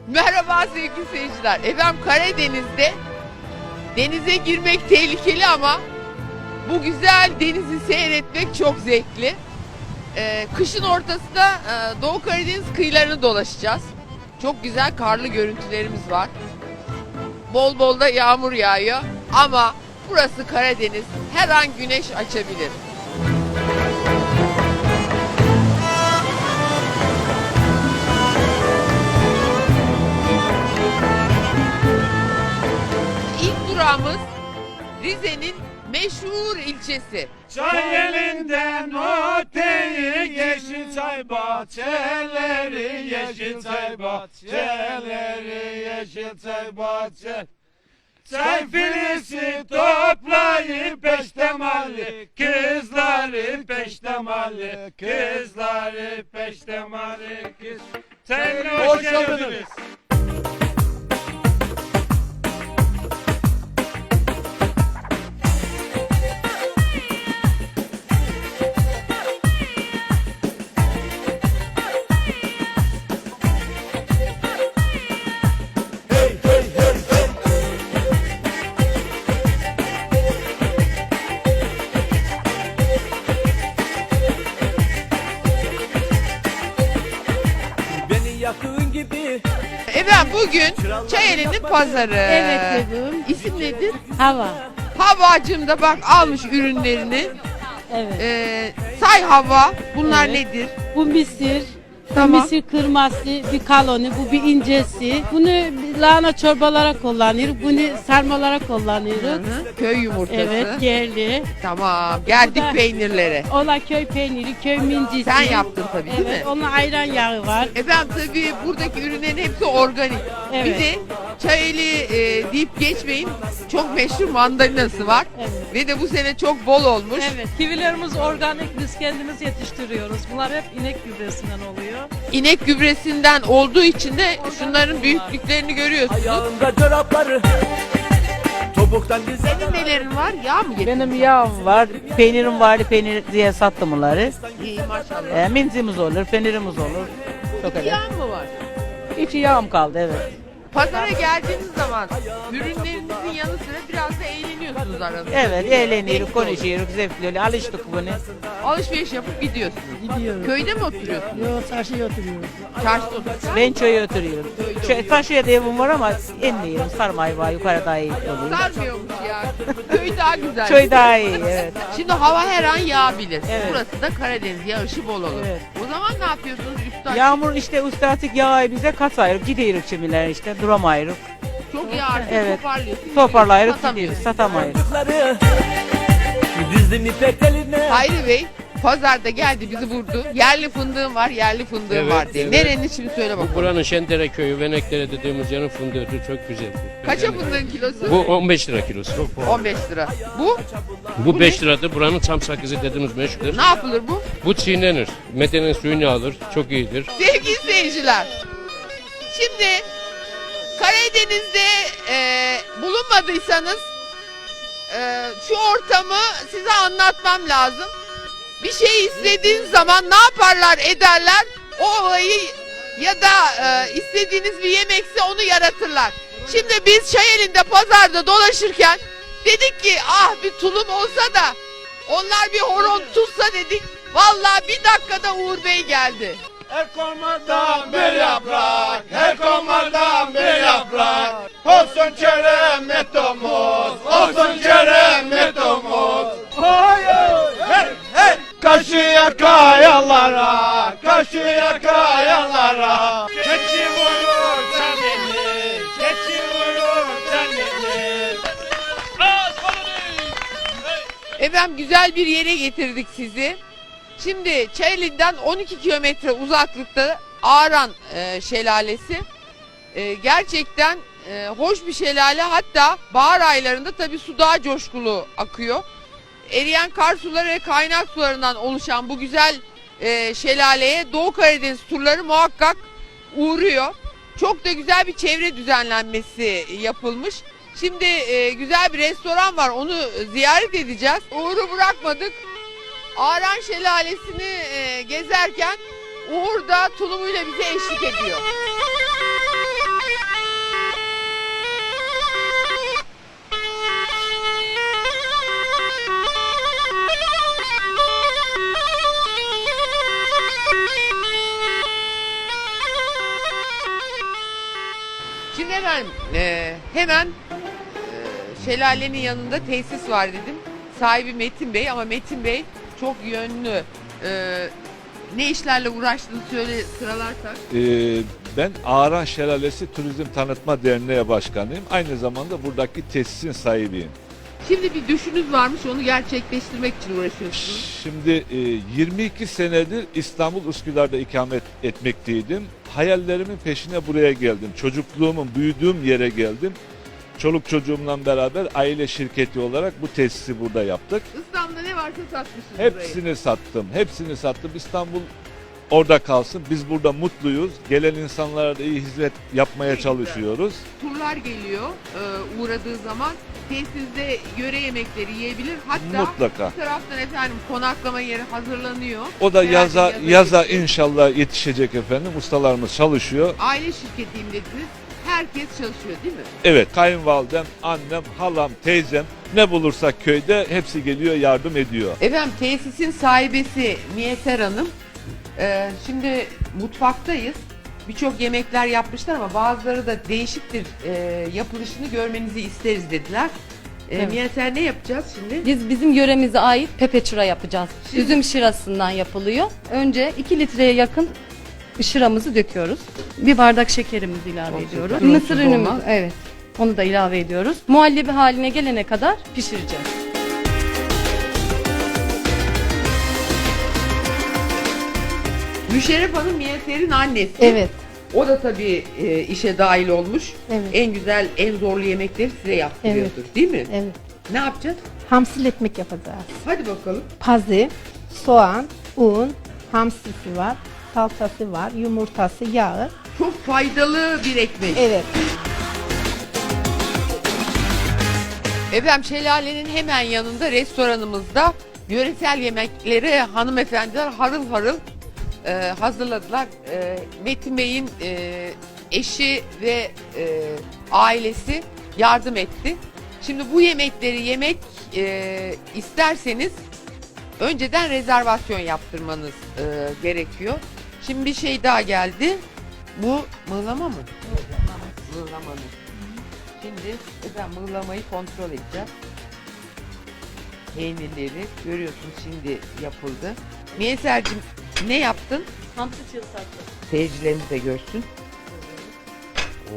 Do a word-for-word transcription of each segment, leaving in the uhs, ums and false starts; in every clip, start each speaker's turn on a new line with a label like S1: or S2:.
S1: Merhaba sevgili seyirciler. Efendim Karadeniz'de denize girmek tehlikeli ama bu güzel denizi seyretmek çok zevkli. Ee, kışın ortasında e, Doğu Karadeniz kıyılarını dolaşacağız. Çok güzel karlı görüntülerimiz var. Bol bol da yağmur yağıyor ama burası Karadeniz. Her an güneş açabilir. İlk durağımız Rize'nin meşhur ilçesi.
S2: Çay elinden öteyi yeşil çay bahçeleri, yeşil çay bahçeleri, yeşil çay bahçeleri. Çay filisi toplayıp peştemali, kızları peştemali, kızları peştemali, kız. Sen hoş geldiniz.
S3: Yakın gibi.
S1: Efendim bugün Çayeli'nin pazarı.
S4: Evet dedim.
S1: İsim nedir?
S4: Hava.
S1: Havacım da bak almış ürünlerini.
S4: Evet.
S1: Ee, say Hava. Bunlar
S4: Evet.
S1: nedir?
S4: Bu misir.
S1: Tamam.
S4: Bu misir kırması, bir kaloni, bu bir incesi. Bunu lahana çorbalara kullanıyoruz. Bunu sarmalara kullanıyoruz.
S1: Hı hı. Köy yumurtası.
S4: Evet, yerli.
S1: Tamam. Geldik
S4: Bu da-
S1: peynirlere.
S4: Ola köy peyniri, köy mincisi.
S1: Sen yaptın tabii değil
S4: Evet,
S1: mi?
S4: onun ayran yağı var.
S1: Efendim tabii buradaki ürünlerin hepsi organik.
S4: Evet.
S1: Bir de Çayeli e, deyip geçmeyin. Çok meşhur mandalinası var.
S4: Evet.
S1: Ve de bu sene çok bol olmuş.
S4: Evet.
S5: Kivilerimiz organik, biz kendimiz yetiştiriyoruz. Bunlar hep inek gübresinden oluyor.
S1: İnek gübresinden olduğu için de şunların büyüklüklerini görüyorsunuz.
S3: Ayağında çorapları topuktan güzel.
S1: Senin nelerin var? Yağ mı getirdin?
S6: Benim yağım var, peynirim var, peynir diye sattım bunları.
S1: İyi maşallah.
S6: E, mincimiz olur, peynirimiz olur. Çok
S1: İki
S6: öyle.
S1: yağ mı var?
S6: İki yağım kaldı, evet.
S1: Pazara geldiğiniz zaman ürünlerinizin yanı sıra biraz da eğleniyorsunuz aranızda.
S6: Evet, eğleniyoruz,
S1: Zevkli oluyor.
S6: konuşuyoruz, zevkli alıştık bunu.
S1: Alışveriş yapıp gidiyorsunuz.
S4: Gidiyoruz.
S1: Köyde mi oturuyorsunuz?
S4: Yok, çarşıya oturuyoruz.
S1: Çarşıda oturuyorsunuz.
S6: Ben çöye oturuyorum. Çö taşıya da evim var ama inmiyorum, sarmayı var, yukarı daha iyi oluyor.
S1: Sarmıyormuş ya. Köy daha güzel.
S6: Çöy daha iyi, evet.
S1: Şimdi hava her an yağabilir.
S6: Evet.
S1: Burası da Karadeniz, yağışı bol olur.
S6: Evet.
S1: O zaman ne yapıyorsunuz üstad?
S6: Yağmur işte ustatik yağı bize katayırık, gidiyoruz çimiler işte, duramayırık.
S1: Çok yağarsa
S6: Evet.
S1: toparlıyorsunuz.
S6: Toparlayırık
S1: Satamıyorsunuz.
S6: gidiyoruz, satamayırız.
S3: Çocukları dizdim ipek teline.
S1: Hayri Bey pazarda geldi bizi vurdu. Yerli fındığım var, yerli fındığım
S7: Evet,
S1: var diye.
S7: evet.
S1: Nerenin şimdi söyle
S7: Bu
S1: bakalım.
S7: buranın Şendere köyü, Veneklere dediğimiz yerin fındığı çok güzel.
S1: Kaça fındığın kilosu?
S7: Bu on beş lira kilosu.
S1: on beş lira. Bu
S7: Bu beş liradır. Buranın çam sakızı dediğimiz meşhurdur.
S1: ne yapılır bu?
S7: Bu çiğnenir. Metenin suyunu alır. Çok iyidir.
S1: Sevgili seyirciler. Şimdi Karadeniz'de e, bulunmadıysanız e, şu ortamı size anlatmam lazım. Bir şey istediğiniz zaman ne yaparlar ederler? O olayı ya da e, istediğiniz bir yemekse onu yaratırlar. Şimdi biz Çayeli'nde pazarda dolaşırken dedik ki ah bir tulum olsa da onlar bir horon tutsa dedik. Vallahi bir dakikada Uğur Bey geldi.
S2: Her komardan bir yaprak, her komardan bir yaprak. Olsun kerem metomuz, olsun kerem metomuz. Hayır, hey, hey. Kaşıya kayalara, kaşıya kayalara. Keçi vurur canını, keçi vurur canını.
S1: Efendim güzel bir yere getirdik sizi. Şimdi Çayeli'den on iki kilometre uzaklıkta Ağran e, Şelalesi. E, gerçekten e, hoş bir şelale. Hatta bahar aylarında tabii su daha coşkulu akıyor. Eriyen kar suları ve kaynak sularından oluşan bu güzel e, şelaleye Doğu Karadeniz turları muhakkak uğruyor. Çok da güzel bir çevre düzenlenmesi yapılmış. Şimdi e, güzel bir restoran var, onu ziyaret edeceğiz. Uğur'u bırakmadık. Ağran Şelalesi'ni e, gezerken Uğur da tulumuyla bize eşlik ediyor. Şimdi efendim e, hemen e, şelalenin yanında tesis var dedim. Sahibi Metin Bey ama Metin Bey çok yönlü. E, ne işlerle uğraştığını söyle sıralarsak.
S8: Ee, ben Ağran Şelalesi Turizm Tanıtma Derneği Başkanıyım. Aynı zamanda buradaki tesisin sahibiyim.
S1: Şimdi bir düşünüz varmış, onu gerçekleştirmek için uğraşıyorsunuz.
S8: Şimdi e, yirmi iki senedir İstanbul Üsküdar'da ikamet etmekteydim. Hayallerimin peşine buraya geldim. Çocukluğumun büyüdüğüm yere geldim. Çoluk çocuğumla beraber aile şirketi olarak bu tesisi burada yaptık.
S1: İstanbul'da ne varsa satmışsınız burayı.
S8: Hepsini sattım. Hepsini sattım. İstanbul orada kalsın. Biz burada mutluyuz. Gelen insanlara da iyi hizmet yapmaya
S1: Ne güzel.
S8: çalışıyoruz.
S1: Turlar geliyor e, uğradığı zaman tesiste yöre yemekleri yiyebilir. Hatta
S8: Mutlaka.
S1: bir taraftan efendim konaklama yeri hazırlanıyor.
S8: O da
S1: Herhalde
S8: yaza
S1: yaza
S8: yaza
S1: yetişecek.
S8: inşallah yetişecek efendim. Ustalarımız çalışıyor.
S1: Aile şirketiyim dediniz. Herkes çalışıyor değil mi?
S8: Evet, kayınvalidem, annem, halam, teyzem ne bulursak köyde hepsi geliyor, yardım ediyor.
S1: Efendim tesisin sahibesi Miyeser Hanım. Ee, şimdi mutfaktayız. Birçok yemekler yapmışlar ama bazıları da değişiktir e, yapılışını görmenizi isteriz dediler. Ee,
S9: Evet.
S1: Miyeser ne yapacağız şimdi?
S9: Biz bizim yöremize ait pepeçura yapacağız.
S1: Şimdi-
S9: Üzüm şırasından yapılıyor. Önce iki litreye yakın şıramızı döküyoruz. Bir bardak şekerimizi ilave
S1: Çok
S9: ediyoruz.
S1: şeker.
S9: Mısır
S1: Onsuz
S9: ünümüz,
S1: olmaz.
S9: evet. Onu da ilave ediyoruz. Muhallebi haline gelene kadar pişireceğiz.
S1: Müşerref Hanım Miyeser'in annesi.
S9: Evet.
S1: O da tabii e, işe dahil olmuş.
S10: Evet.
S1: En güzel, en zorlu yemekleri size yaptırıyordur değil mi?
S10: Evet.
S1: Ne yapacağız?
S10: Hamsil ekmek yapacağız.
S1: Hadi bakalım.
S10: Pazı, soğan, un, hamsisi var, salçası var, yumurtası, yağı.
S1: Çok faydalı bir ekmek.
S10: Evet.
S1: Efendim şelalenin hemen yanında restoranımızda yöresel yemekleri hanımefendiler harıl harıl e, hazırladılar. E, Metin Bey'in e, eşi ve e, ailesi yardım etti. Şimdi bu yemekleri yemek e, isterseniz önceden rezervasyon yaptırmanız e, gerekiyor. Şimdi bir şey daha geldi. Bu mıhlama mı? Mıhlama. Şimdi efendim mıhlamayı kontrol edeceğiz. Peynirleri görüyorsunuz şimdi yapıldı. Miyeser'cim ne yaptın?
S9: Hamsi çığ sattı.
S1: Seyircilerimiz de görsün. Oo.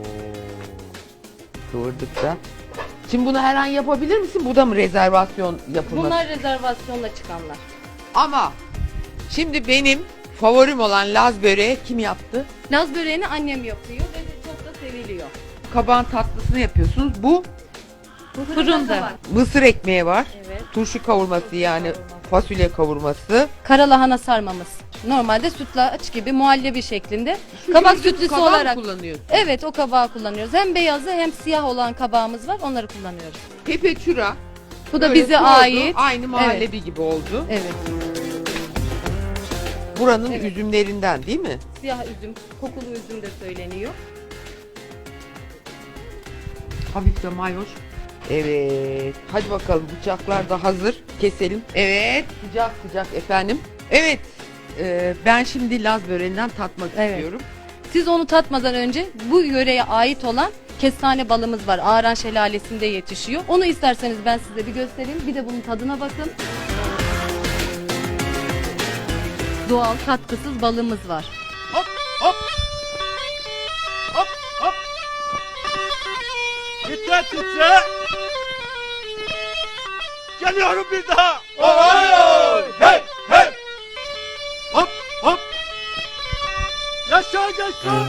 S1: Kıvırdık da. Şimdi bunu her an yapabilir misin? Bu da mı rezervasyon yapılması?
S9: Bunlar rezervasyonla çıkanlar.
S1: Ama şimdi benim favorim olan Laz böreği kim yaptı?
S9: Laz böreğini annem yapıyor ve çok da seviliyor.
S1: Kabağın tatlısını yapıyorsunuz. Bu
S9: Fırında var.
S1: mısır ekmeği var.
S9: Evet.
S1: Turşu kavurması yani fasulye kavurması.
S9: Kara lahana sarmamız. Normalde sütlaç gibi muhallebi şeklinde.
S1: Şu
S9: Kabak
S1: gördüğünüz
S9: sütlüsü
S1: kabağı mı
S9: olarak.
S1: kullanıyorsun?
S9: Evet, o kabağı kullanıyoruz. Hem beyazı hem siyah olan kabağımız var. Onları kullanıyoruz.
S1: Pepeçura.
S9: Bu da
S1: Böyle
S9: bize
S1: oldu,
S9: ait.
S1: Aynı muhallebi gibi oldu.
S9: Evet.
S1: Buranın
S9: Evet.
S1: üzümlerinden değil mi?
S9: Siyah üzüm, kokulu üzüm de söyleniyor.
S1: Hafif de mayoş. Evet. Hadi bakalım bıçaklar da hazır. Keselim. Evet. Sıcak sıcak efendim. Evet. e, ben şimdi Laz böreğinden tatmak
S9: Evet.
S1: istiyorum.
S9: Siz onu tatmadan önce bu yöreye ait olan kestane balımız var. Ağran Şelalesi'nde yetişiyor. Onu isterseniz ben size bir göstereyim. Bir de bunun tadına bakın. Doğal katkısız balımız var.
S2: Hop hop. Hop hop. Titre titre. Geliyorum bir daha. Oy oy. Hey hey. Hop hop. Yaşa yaşa.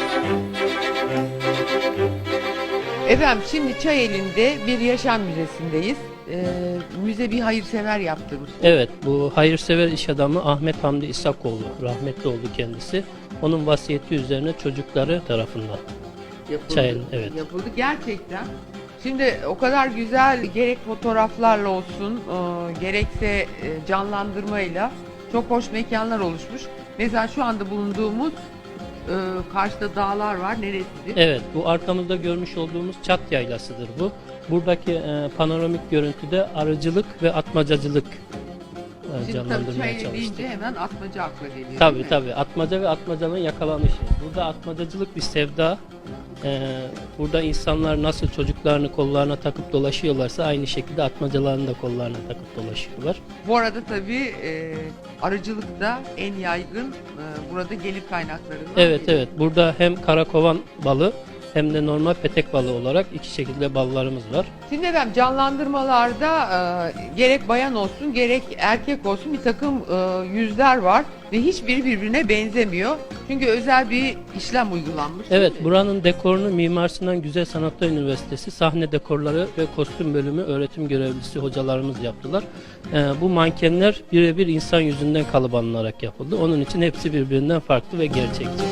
S1: Efendim şimdi Çayeli'nde bir yaşam müzesindeyiz. E, müze bir hayırsever yaptırmış.
S7: Evet, bu hayırsever iş adamı Ahmet Hamdi İsakoğlu, rahmetli oldu kendisi. Onun vasiyeti üzerine çocukları tarafından.
S1: Yapıldı.
S7: Çayeli, evet.
S1: Yapıldı gerçekten. Şimdi o kadar güzel gerek fotoğraflarla olsun e, gerekse e, canlandırmayla çok hoş mekanlar oluşmuş. Mesela şu anda bulunduğumuz e, karşıda dağlar var. Neresidir?
S7: Evet, bu arkamızda görmüş olduğumuz Çat Yaylası'dır bu. Buradaki e, panoramik görüntüde arıcılık ve atmacacılık e,
S1: Şimdi tabii
S7: canlandırmaya
S1: Çayeli
S7: çalıştık.
S1: deyince hemen atmaca akla geliyor. değil
S7: Tabii
S1: mi?
S7: tabii. Atmaca ve atmacanın yakalanışı. Burada atmacacılık bir sevda. Ee, burada insanlar nasıl çocuklarını kollarına takıp dolaşıyorlarsa aynı şekilde atmacalarını da kollarına takıp dolaşıyorlar.
S1: Bu arada tabii e, arıcılık da en yaygın e, burada gelir kaynaklarından
S7: Evet
S1: biri.
S7: evet. Burada hem karakovan balı hem de normal petek balığı olarak iki şekilde ballarımız var.
S1: Şimdi efendim canlandırmalarda e, gerek bayan olsun gerek erkek olsun bir takım e, yüzler var ve hiçbiri birbirine benzemiyor. Çünkü özel bir işlem uygulanmış.
S7: Evet,
S1: değil mi?
S7: buranın dekorunu Mimar Sinan Güzel Sanatlar Üniversitesi sahne dekorları ve kostüm bölümü öğretim görevlisi hocalarımız yaptılar. Ee, bu mankenler birebir insan yüzünden kalıbanlanarak yapıldı. Onun için hepsi birbirinden farklı ve gerçekçi.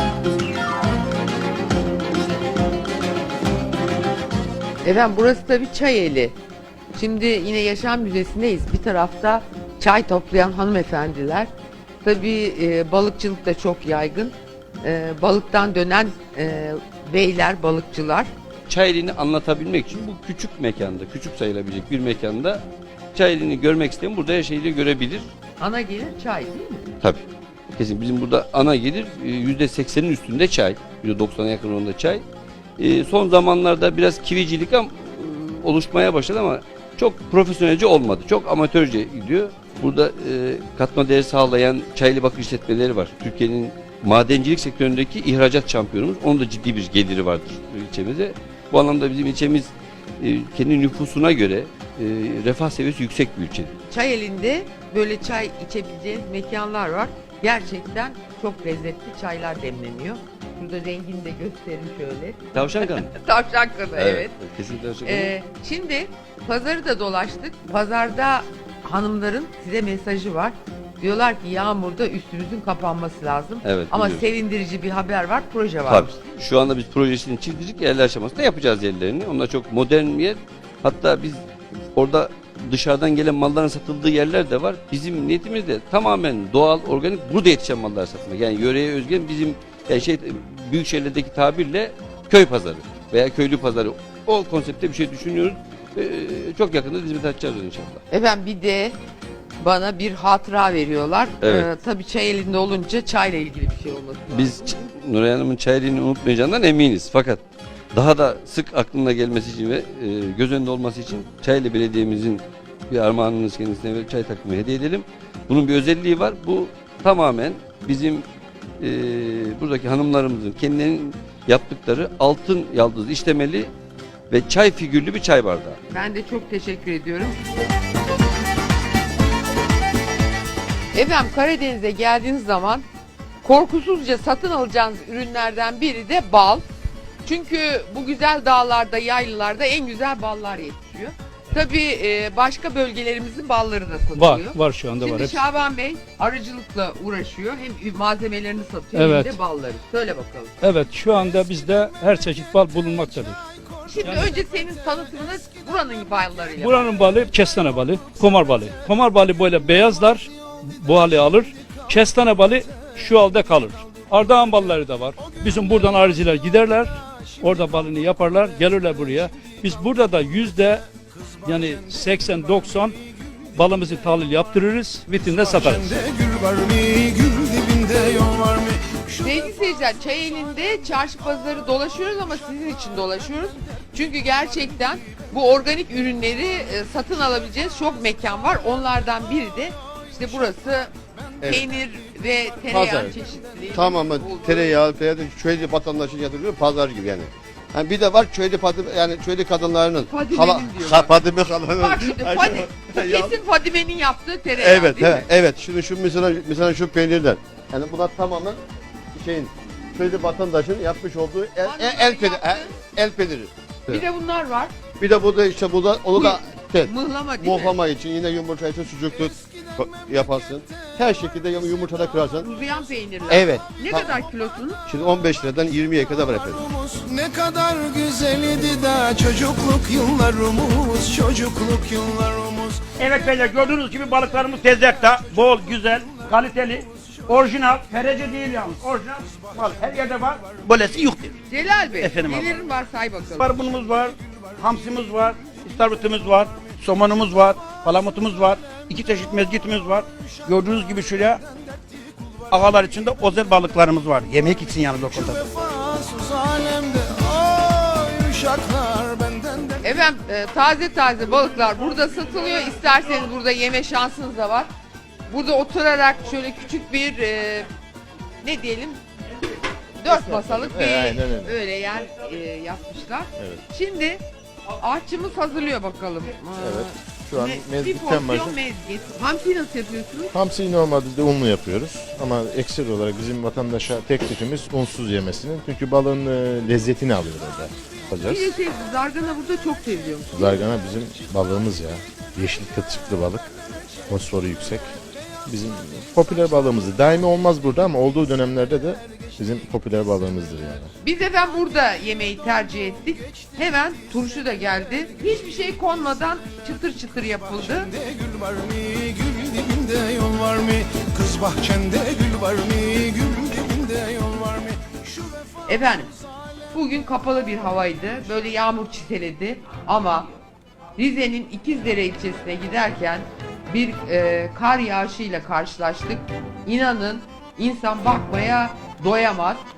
S1: Efendim burası tabii Çayeli. Şimdi yine Yaşam Müzesi'ndeyiz. Bir tarafta çay toplayan hanımefendiler. Tabii e, balıkçılık da çok yaygın. E, balıktan dönen e, beyler, balıkçılar.
S2: Çayeli'ni anlatabilmek için bu küçük mekanda, küçük sayılabilecek bir mekanda Çayeli'ni görmek isteyen burada her şeyi de görebilir.
S1: Ana gelir çay değil mi?
S2: Tabii. Kesin bizim burada ana gelir e, yüzde seksenin üstünde çay. yüzde doksana yakın onda çay. E, son zamanlarda biraz kivicilik am- e, oluşmaya başladı ama çok profesyonelce olmadı. Çok amatörce gidiyor. Burada e, katma değer sağlayan çaylı bakır işletmeleri var. Türkiye'nin madencilik sektöründeki ihracat şampiyonumuz. Onun da ciddi bir geliri vardır ilçemize. Bu anlamda bizim ilçemiz e, kendi nüfusuna göre e, refah seviyesi yüksek bir ilçe.
S1: Çayeli'nde böyle çay içebileceğiniz mekanlar var. Gerçekten çok lezzetli çaylar demleniyor. Burada rengini de göstereyim şöyle.
S2: Tavşan kanı.
S1: Tavşan kanı evet.
S2: Kesinlikle tavşan kanı.
S1: Ee, şimdi pazarı da dolaştık. Pazarda hanımların size mesajı var. Diyorlar ki yağmurda üstümüzün kapanması lazım.
S2: Evet,
S1: Ama
S2: biliyorum.
S1: sevindirici bir haber var. Proje var.
S2: Tabii. Şu anda biz projesini çizdik. Yerli aşamasında yapacağız yerlerini. Onlar çok modern bir yer. Hatta biz orada dışarıdan gelen malların satıldığı yerler de var. Bizim niyetimiz de tamamen doğal, organik burada yetişen mallar satmak. Yani yöreye özgün bizim yani şey büyük şehirlerdeki tabirle köy pazarı veya köylü pazarı. O konsepte bir şey düşünüyoruz. Ee, çok yakında hizmet açacağız inşallah.
S1: Efendim bir de bana bir hatıra veriyorlar.
S2: Evet.
S1: Ee, tabii çay elinde olunca çayla ilgili bir şey olması lazım.
S2: Biz Ç- Nuray Hanım'ın çayeliğini unutmayacağından eminiz. Fakat daha da sık aklına gelmesi için ve e, göz önünde olması için Çayeli Belediye'mizin bir armağanınız kendisine verip çay takımı hediye edelim. Bunun bir özelliği var. Bu tamamen bizim e, buradaki hanımlarımızın kendilerinin yaptıkları altın yaldız işlemeli ve çay figürlü bir çay bardağı.
S1: Ben de çok teşekkür ediyorum. Efendim Karadeniz'e geldiğiniz zaman korkusuzca satın alacağınız ürünlerden biri de bal. Çünkü bu güzel dağlarda, yaylılarda en güzel ballar yetişiyor. Tabii e, başka bölgelerimizin balları da satılıyor.
S11: Var, var şu anda var.
S1: Şimdi
S11: Hepsi.
S1: Şaban Bey arıcılıkla uğraşıyor. Hem malzemelerini satıyor
S11: Evet.
S1: hem de balları. Söyle bakalım.
S11: Evet, şu anda bizde her çeşit bal bulunmaktadır.
S1: Şimdi önce senin tanıtımını buranın ballarıyla.
S11: Buranın balı kestane balı, komar balı. Komar balı böyle beyazlar, bu hali alır. Kestane balı şu halde kalır. Ardahan balları da var. Bizim buradan arıcılar giderler, orada balını yaparlar, gelirler buraya. Biz burada da yüzde yani seksen doksan balımızı tahlil yaptırırız, vitrinde satarız.
S1: Sevgili seyirciler, Çayeli'nde çarşı pazarı dolaşıyoruz ama sizin için dolaşıyoruz. Çünkü gerçekten bu organik ürünleri e, satın alabileceğiniz çok mekan var. Onlardan biri de işte burası
S12: Evet.
S1: peynir ve tereyağı
S12: Pazar.
S1: çeşitliliği.
S12: Tamamen
S1: olduğu-
S12: tereyağı veya da köylü vatandaşın yatırıyor pazar gibi yani. Yani bir de var köylü padı yani köylü kadınlarının
S1: Fadime'nin
S12: hala
S1: diyorlar.
S12: ha, Fadime halanın.
S1: Bak şimdi
S12: Ay,
S1: Fadi,
S12: ya-
S1: kesin Fadime'nin yaptığı tereyağı
S12: Evet,
S1: değil
S12: he,
S1: mi?
S12: evet. Şimdi şu mesela mesela şu peynirler. Yani bunlar tamamen şeyin köylü vatandaşın yapmış olduğu el, el, el, peyniri, el, el peyniri.
S1: Bir de bunlar var.
S12: Bir de burada işte burada onu da şey,
S1: Mıhlama değil mi?
S12: muhlama için yine yumurta için sucuklu yaparsın. Her şekilde yumurtada kırarsın.
S1: Uzayan peynirler.
S12: Evet.
S1: Ne
S12: Ta-
S1: kadar kilosunu?
S12: Şimdi on beş liradan yirmiye kadar var efendim.
S13: Ne kadar güzel idi da çocukluk yıllarımız, çocukluk yıllarımız.
S14: Evet beyler gördüğünüz gibi balıklarımız tezgahta. Bol, güzel, kaliteli, orijinal. Ferece değil yalnız. Orijinal balık. Her yerde var. Böylesi yoktur.
S1: Celal Bey,
S14: Efendim abla.
S1: nelerin var say bakalım.
S14: Barbunumuz var, hamsimiz var, istavritimiz var, somonumuz var, palamutumuz var, iki çeşit mezgitimiz var. Gördüğünüz gibi şuraya ağalar içinde özel balıklarımız var. Yemek için yalnız o kadar.
S13: Vefasız alemde ay uşaklar benden de
S1: Efendim e, taze taze balıklar burada satılıyor. İsterseniz burada yeme şansınız da var. Burada oturarak şöyle küçük bir e, ne diyelim dört masalık bir
S12: Evet, aynen öyle.
S1: öyle yer e, yapmışlar.
S12: Evet.
S1: Şimdi aşçımız hazırlıyor bakalım. Aa,
S12: Evet. Şu an
S1: me- bir
S12: mezgitten
S1: porsiyon
S12: başlıyor.
S1: mezgit. Hamsi nasıl yapıyorsunuz?
S12: Hamsiyi normalde de unlu yapıyoruz ama ekstra olarak bizim vatandaşa teklifimiz unsuz yemesinin. Çünkü balığın e, lezzetini alıyor orada.
S1: Bir
S12: Yapacağız.
S1: de şey, zargana burada çok seviliyormuş.
S12: Zargana bizim balığımız ya. Yeşil kılçıklı balık. Fosforu yüksek. Bizim popüler balığımızdır. Daimi olmaz burada ama olduğu dönemlerde de bizim popüler balığımızdır yani.
S1: Biz efendim burada yemeği tercih ettik. Hemen turşu da geldi. Hiçbir şey konmadan çıtır çıtır yapıldı.
S13: bahçende gül var mı? Gül dibinde yol var mı? Kız bahçende gül var mı? Gül dibinde yol var mı? Şu vefa
S1: Efendim bugün kapalı bir havaydı. Böyle yağmur çiteledi ama Rize'nin İkizdere ilçesine giderken bir e, kar yağışıyla karşılaştık. İnanın insan bakmaya doyamaz.